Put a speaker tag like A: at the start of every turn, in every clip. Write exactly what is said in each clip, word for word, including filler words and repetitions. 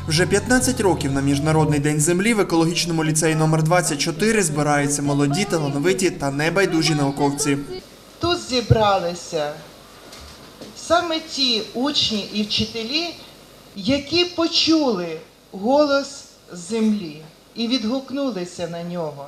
A: Вже п'ятнадцять років на Міжнародний день землі в екологічному ліцеї номер двадцять чотири збираються молоді, талановиті та небайдужі науковці.
B: Тут зібралися саме ті учні і вчителі, які почули голос землі і відгукнулися на нього.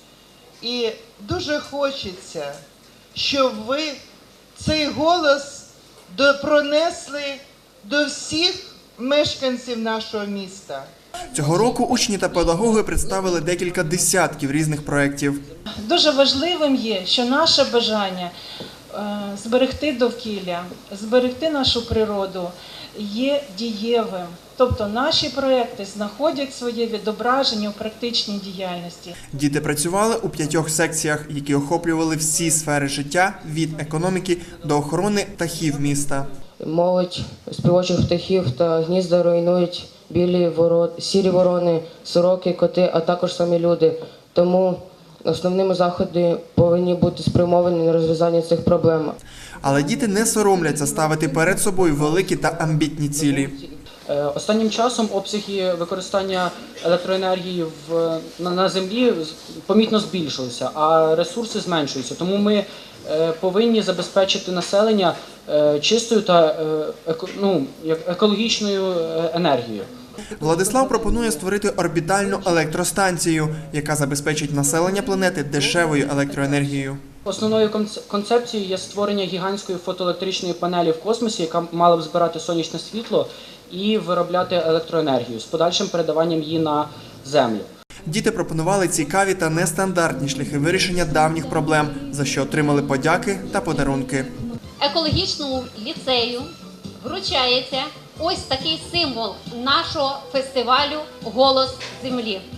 B: І дуже хочеться, щоб ви цей голос пронесли до всіх мешканців нашого міста.
A: Цього року учні та педагоги представили декілька десятків різних проєктів.
C: Дуже важливим є, що наше бажання е, зберегти довкілля, зберегти нашу природу є дієвим. Тобто наші проекти знаходять своє відображення у практичній діяльності.
A: Діти працювали у п'ятьох секціях, які охоплювали всі сфери життя – від економіки до охорони птахів міста.
D: Молодь співочих птахів та гнізда руйнують білі ворон, сірі ворони, сороки, коти, а також самі люди. Тому основними заходи повинні бути спрямовані на розв'язання цих проблем.
A: Але діти не соромляться ставити перед собою великі та амбітні цілі.
E: Останнім часом обсяги використання електроенергії в, на, на землі помітно збільшилися, а ресурси зменшуються. Тому ми е, повинні забезпечити населення е, чистою та е, еко, ну, екологічною енергією.
A: Владислав пропонує створити орбітальну електростанцію, яка забезпечить населення планети дешевою електроенергією.
E: Основною концепцією є створення гігантської фотоелектричної панелі в космосі, яка мала б збирати сонячне світло і виробляти електроенергію з подальшим передаванням її на землю.
A: Діти пропонували цікаві та нестандартні шляхи вирішення давніх проблем, за що отримали подяки та подарунки.
F: Екологічному ліцею вручається ось такий символ нашого фестивалю «Голос землі».